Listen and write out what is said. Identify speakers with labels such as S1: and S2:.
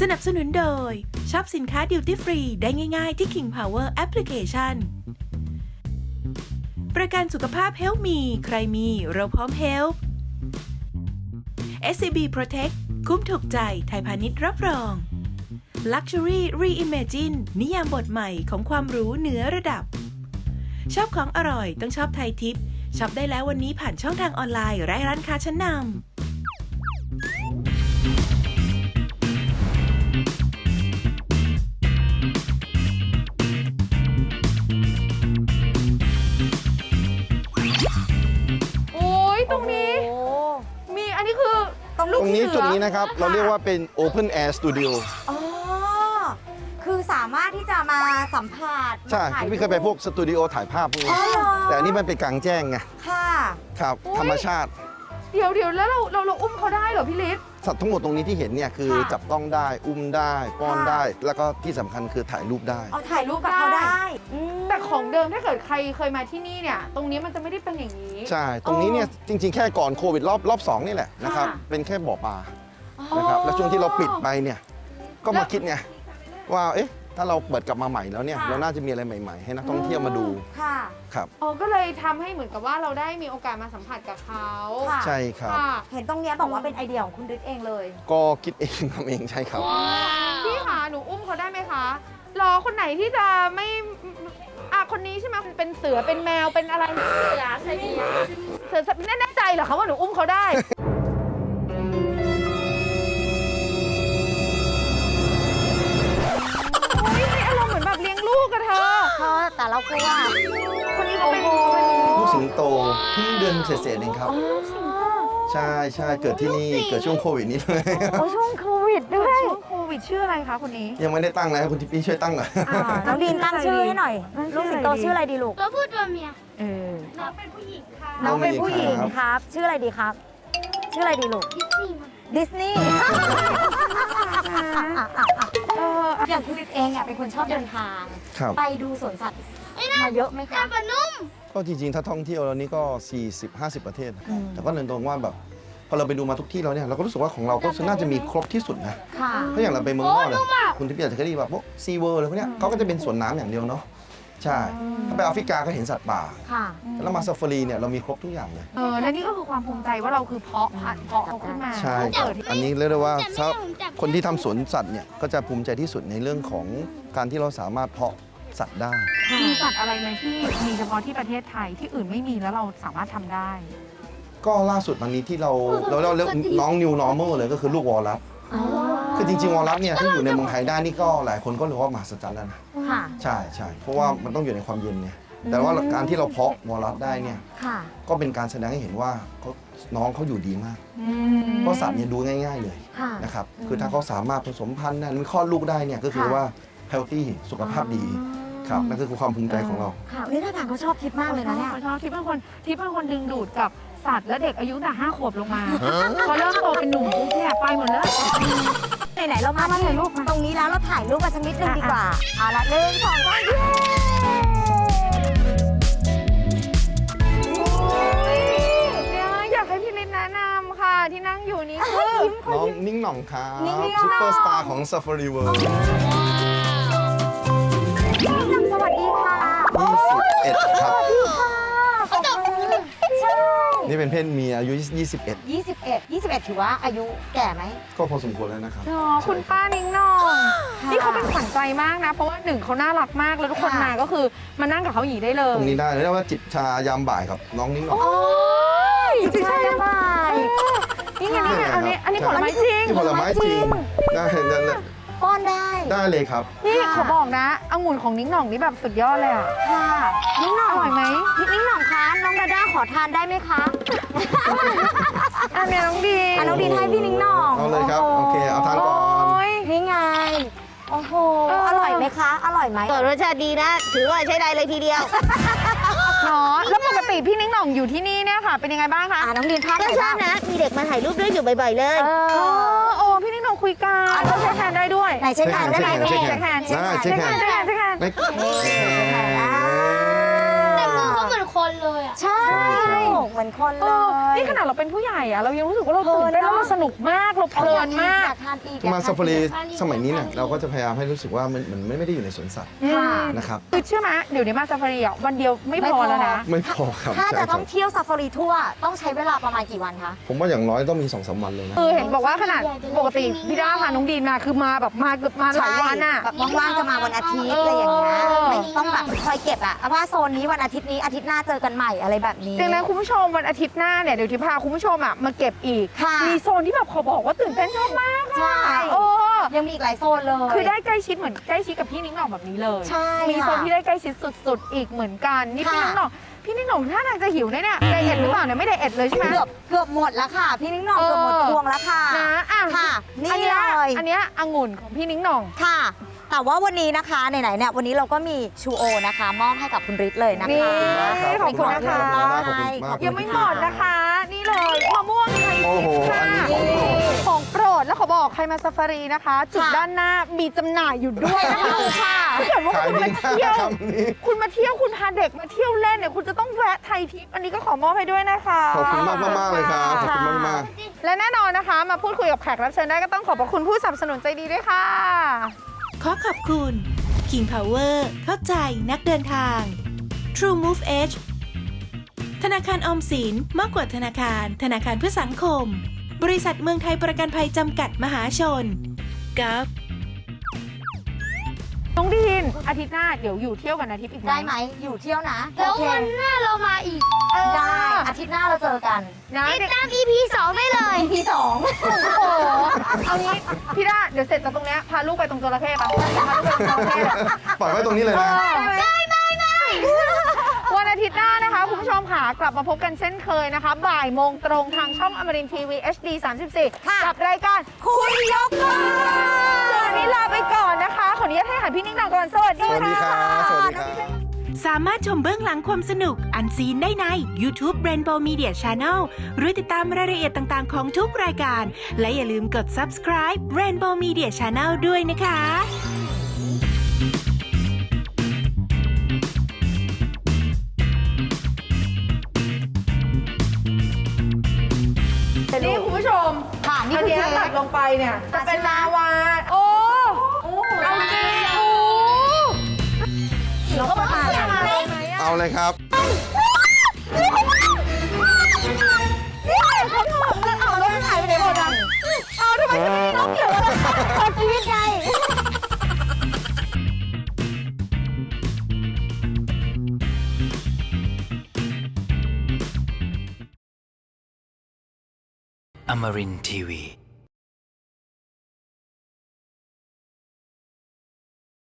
S1: สนับสนุนโดยช็อปสินค้าดิวตี้ฟรีได้ง่ายๆที่ King Power Application ประกันสุขภาพ Health Me ใครมีเราพร้อม Help SCB Protect คุ้มถูกใจไทยพาณิชย์รับรอง Luxury Reimagine นิยามบทใหม่ของความหรูเหนือระดับชอบของอร่อยต้องชอบไทยทิปช็อปได้แล้ววันนี้ผ่านช่องทางออนไลน์และร้านค้าชั้นนำ
S2: ตรงนี้มีอันนี้คือ
S3: ตรงนี้จุดนี้นะครับเราเรียกว่าเป็น Open Air Studio
S4: อ๋อคือสามารถที่จะมาสัมผัส
S3: ใช่พี่เคยไปพวกสตูดิโอถ่ายภาพพวกนี้แต่อันนี้มันเป็นกลางแจ้งไง
S4: ค่ะ
S3: ครับธรรมชาติ
S2: เดี๋ยวแล้วเราอุ้มเขาได้เหรอพี่ฤทธิ์
S3: สัตว์ทั้งหมดตรงนี้ที่เห็นเนี่ยคือจับต้องได้อุ้มได้ป้อนได้แล้วก็ที่สำคัญคือถ่ายรูปได้
S4: เอาถ่ายรูปกับเขาได้
S2: แต่ของเดิมถ้าเกิดใครเคยมาที่นี่เนี่ยตรงนี้มันจะไม่ได้เป็นอย่างนี้
S3: ใช่ตรงนี้เนี่ยจริงๆแค่ก่อนโควิดรอบ2นี่แหละนะครับเป็นแค่บ่อปลานะครับแล้วช่วงที่เราปิดไปเนี่ยก็มาคิดไงว่าเอ๊ะถ้าเราเปิดกลับมาใหม่แล้วเนี่ยเราน่าจะมีอะไรใหม่ๆให้นักท่องเที่ยวมาดู
S4: ค่ะ
S3: ครับ
S2: ก็เลยทำให้เหมือนกับว่าเราได้มีโอกาสมาสัมผัสกับเขา
S3: ใช่ครับ
S4: เห็นตรงนี้บอกว่าเป็นไอเดียของคุณฤทธิ์เองเลย
S3: ก็คิดเองทำเองใช่ครับ
S2: พี่คะหนูอุ้มเขาได้ไหมคะรอคนไหนที่จะไม่คนนี้ใช่ไหมเป็นเสือเป็นแมวเป็นอะไรเสือใช่ไหมเสือแน่ใจเหรอคะว่าหนูอุ้มเขาได้เหมือนแบบเลี้ยงลูกกับเธอ
S4: แต่เรากลัว
S2: คนนี้เขาเป็น
S3: ลูกสิงโตเพิ่งเดือนเศษๆเองครับใช่เกิดที่นี่เกิดช่วงโควิดนี้เลย
S4: ช่วงโควิดด้วย
S2: ช่วงโควิดชื่ออะไรคะคนนี้
S3: ยังไม่ได้ตั้งเลยคุณทิพย์ช่วยตั้งหน่อย
S4: น้องดีนตั้งชื่อให้หน่อยลูกสิงโตชื่ออะไรดีลูก
S5: ตัวผู้ตัวเมีย
S2: น้องเป็นผู้หญิงค่ะ
S4: น้องเป็นผู้หญิงครับชื่ออะไรดีครับชื่ออะไรดีลูกดิสนีย์อย่างคุณฤทธิ์เองเป็นคนชอบเดินทางไปดูสวนสัตว์มาเยอะไหมคะ
S3: ก็จริงๆถ้าท่องเที่ยวแล้วนี่ก็ 40-50 ประเทศแต่ก็เดินตรงว่าแบบพอเราไปดูมาทุกที่แล้วเนี่ยเราก็รู้สึกว่าของเราก็น่าจะมีครบที่สุดนะเพราะอย่างเราไปเมืองนอกเนี่ยคุณทิพย์อาจจะเคยได้แบบพวกซีเวิร์อะไรพวกเนี้ยเขาก็จะเป็นสวนน้ำอย่างเดียวเนาะใช่ถ้าไปแอฟริกาก็เห็นสัตว์ป่าแล้วมาซาฟารีเนี่ยเรามีครบทุกอย่างเลย
S2: และนี่ก็คือความภูมิใจว่าเราคือเพาะเขาขึ้นมา
S3: ใช่อันนี้เรียกได้ว่าถ้าคนที่ทำสวนสัตว์เนี่ยก็จะภูมิใจที่สุดในเรื่องของการที่เราสามารถเพาะสัตว์ได้
S2: มีสัตว์อะไรไหมที่มีเฉพาะที่ประเทศไทยที่อื่นไม่มีแล้วเราสามารถทำได้
S3: ก็ล่าสุดวันนี้ที่เราเรียกน้อง New Normal เลยก็คือลูกวอลลัสคือจริงๆวอลลัสเนี่ยที่อยู่ในเมืองไทยได้นี่ก็หลายคนก็เรียกว่ามหัศจรรย์แล้วนะใช่เพราะว่ามันต้องอยู่ในความเย็นเนี่ยแต่ว่าการที่เราเพาะวอลลัสได้เนี่ยก็เป็นการแสดงให้เห็นว่าน้องเขาอยู่ดีมากเพราะสัตว์เนี่ยดูง่ายๆเลยนะครับคือถ้าเขาสามารถผสมพันธุ์นั้นคลอดลูกได้เนี่ยก็คือว่าเฮลตี้สุขภาพดีครับนั่นคือความภูมิใจของเรา
S4: ค่ะนี่ท่าทางเขาชอบทิพย์มากเลยนะเนี่ย
S2: เขาชอบทิพย์เป็นคนดึงดูดกับสัตว์และเด็กอายุแต่5 ขวบลงมาพอเริ่มโตเป็นหนุ่มปุ๊บเนี่ยไปหมดเลย
S4: ไหนเรามาถ่ายรูปตรงนี้แล้วเราถ่ายรูปกันสักนิดนึงดีกว่าเอาละ1 2 3
S2: อยากให้พี่ฤทธิ์แนะนำค่ะที่นั่งอยู่นี้คือ
S3: น้องนิ่งหน่องครับซุปเปอร์สตาร์ของ Safari World
S4: สวัสดีค่ะ
S3: 21ครับ
S4: ใช่
S3: นี่เป็นเพศเมียอายุ
S4: 21ถือว่าอายุแก่ไหม
S3: ก็พอสมควรแล้วนะครับ
S2: คุณป้านิ้งน่องนี่เขาเป็นขวัญใจมากนะเพราะว่า1เขาน่ารักมากแล้วทุกคนมาก็คือมานั่งกับเขาอย่างนี้ได้เลย
S3: ตรงนี้ได้เรียกว่าจิบชายามบ่ายครับน้องนิ้งน่อง
S4: จิบชายามบ่าย
S2: นี่ไงอันนี้ผลไม้จริง
S3: ผลไม้จริงได้เลย
S4: ป้อน
S3: ได้เลยครับ
S2: นี่เขาบอกนะองุ่นของนิ้งหน่องนี่แบบสุดยอดเลยอ่ะ
S4: ค่ะนิ้งหน่อง
S2: อร่อยไหม
S4: นิ้งหน่องคะน้องดาด้าขอทานได้ไหมคะ
S2: อันนี้น้องดี
S4: น้องดีให้พี่นิ้งหน่อง
S3: เอาเลยครับโอเคเอาทานก่อน
S4: นี่ไงโอ้โหอร่อยไหมคะอร่อยไหม
S5: รสชาติดีนะถือว่าใช้ได้เลยทีเดียว
S2: เนาะแล้วปกติพี่นิ้งหน่องอยู่ที่นี่เนี่ยค่ะเป็นยังไงบ้างคะ
S4: น้องดีนทานไหนบ้าง
S5: นะมีเด็กมาถ่ายรูปด้วยอยู่บ่อยๆเลย
S2: พี่นิ้งหน่องคุยกันเราเช็คแฮนด์ได้ด้วย
S4: ไหนเช็คแฮนด์ได้ไหม
S2: เช็คแฮนด์
S5: แต่มือเขาเหมือนคนเลยอ่ะ
S4: ใช่เหมือนคนเลย
S2: นี่ขนาดเราเป็นผู้ใหญ่อะเรายังรู้สึกว่าเราตื่นเต้นแล้วเราสนุกมากเราเพลินมาก
S4: อยากทานอีก
S3: มาซาฟารีสมัยนี้เนี่ยเราก็จะพยายามให้รู้สึกว่ามันไม่ได้อยู่ในสวนสัตว์
S4: ค่ะ
S3: นะครับ
S2: คือเชื่อไหมเดี๋ยวนี้มาซาฟารีอ่ะวันเดียวไม่พอแล้วนะ
S3: ไม่พอครับ
S4: ถ้า
S3: ใช่
S4: จะ
S3: ค
S4: ต้
S3: รั
S4: อบ งเที่ยวซาฟารีทั่วต้องใช้เวลาประมาณกี่วันคะ
S3: ผมว่าอย่างน้อยต้องมี 2-3 วันเลยนะ
S2: คือเห็นบอกว่าขนาดปกติพี่ด้าพาน้องดีนมาคือมาแบบมาเกือบมาหลายวันอะ
S4: แบบว่างๆจะมาวันอาทิตย์อะไรอย่างเงี้ย
S2: เออ
S4: ไม่ต้องแบบคอยเก็บอะว่าโซนนี้วันอาทิตย์นี้อาทิตย์หน้าเจอกันใหม่อะไรแบบนี้
S2: ดังนั้นคุณผู้ชมวันอาทิตย์หน้าเนี่ยเดี๋ยวที่พาคุณผู้ชมอะมาเก็บอีก
S4: ค่ะ
S2: มีโซนที่แบบขอบอกว่าตื่นเต้นชอบมาก
S4: ใช่
S2: อะโอ้
S4: ยังมีอีกหลายโซนเลย
S2: คือได้ใกล้ชิดเหมือนใกล้ชิดกับพี่นิ้งหน่องแบบนี้เลย
S4: ใช่
S2: มีโซน
S4: ค่ะ
S2: ที่ได้ใกล้ชิดสุดๆอีกเหมือนกันนี่พี่
S4: ค่ะ
S2: นิ้งหน่องพี่นิ้งหน่องท่าทางจะหิวเนี่ยไดเอทหรือเปล่าเนี่ยไม่ไดเอทเลยใช่ไหม
S4: เกือบหมดแล้วค่ะ พี่นิ้งหน่องเกือบหมดพวงแล้วค่ะ
S2: นะอ่ะ
S4: ค่ะนี่
S2: อันเนี้ย
S4: เลย
S2: อันเนี้ยองุ่นของพี่นิ้งหน่อง
S4: ค่ะ แต่ว่าวันนี้นะคะไหนๆเนี่ยวันนี้เราก็มีชูโอนะคะมอบให้กับคุณฤทธิ์เลยนะ
S2: นี่
S4: คะ
S2: ขอบคุณนะคะ
S3: ขอบคุณมากขอบคุณมาก
S2: ยังไม่หมดนะคะ นี่เลยมะม่วงไทย
S3: โอ้โห
S2: ค่ะ
S3: อันนี้ของโปรด
S2: ของโปรดแล้วขอบอกใครมาซาฟารีนะคะ จุดด้านหน้ามีจำหน่ายอยู่ด้วยนะคะค่ะถ้าเกิดว่า
S3: ขาย
S2: คุณ
S3: ดี
S2: มา
S3: มา
S2: เที่ยว
S3: กคำนี้
S2: คุณมาเที่ยวคุณพาเด็กมาเที่ยวเล่นเนี่ยคุณจะต้องแวะไทยทิปอันนี้ก็ขอมอบให้ด้วยนะคะ
S3: ขอบคุณมากเลยครับ ขอบคุณมาก
S2: และแน่นอนนะคะ มาพูดคุยกับแขกรับเชิญได้ก็ต้องขอบพระคุณผู้สนับสนุนใจดีด้วยค่ะ
S1: ขอขอบคุณ King Power เข้าใจนักเดินทาง True Move Edge ธนาคารออมสินมากกว่าธนาคาร ธนาคารเพื่อสังคม บริษัทเมืองไทยประกันภัยจำกัดมหาชน GOV
S2: น้องดีนอาทิตย์หน้าเดี๋ยวอยู่เที่ยวกันอาทิตย์อีก
S4: ได้ไหมอยู่เที่ยวนะ
S5: แล้ว
S4: โอเค
S5: วันหน้าเรามาอีก
S4: ได้อาทิตย์หน้าเราเจอกัน
S2: นะ
S5: ติด
S2: เด็ก
S5: ตาม EP 2 ได้เลย
S4: EP 2
S2: โอ้โหเอางี้พี่ด้าเดี๋ยวเสร็จจากตรงเนี้ยพาลูกไปตรงจระเข้ปะพาลูกไปตรงจระเข้
S3: ๆ ปล่อยไว้ตรงนี้เลยนะ
S2: วันอาทิตย์หน้านะคะ คุณผู้ชมค่ะกลับมาพบกันเช่นเคยนะคะบ่ายโมงตรงทางช่องอมรินทร์ทีวี HD 34
S4: ค่ะ
S2: กับรายการคุณยกบ้านวันนี้ลาไปก่อนนะคะ ขออนุญาตให้อาหารพี่นิ่งนองก่อนสวัส
S3: ส
S2: ดี
S3: วัสดี
S2: ค่ะ
S3: ครับ สวัสดีครับ
S1: สามารถชมเบื้องหลังความสนุกอันซีนได้ใน YouTube Rainbow Media Channel หรือติดตามรายละเอียดต่างๆของทุกรายการ และอย่าลืมกด subscribe Rainbow Media Channel ด้วยนะคะ
S2: นี่คุณผู้ชม
S4: ค่ะนี่
S2: อัน
S4: คือ
S2: เนี้ย
S4: เค้
S2: ตัด
S4: ก
S2: ลงไปเนี่ยจะเป็นลาวาโอ้เอาจริงโอ้
S4: เราก็มา
S2: จะมาเลยไหมอะ
S3: เอาเลยครับ
S2: นี่เขาถอดแล้วเอาแล้วมันหายไปไหนหมดอ่ะเอาทำไมจะไม่มีน้องเกี่ยวอะไรขอชีวิตไง
S6: Amarin Tiwi.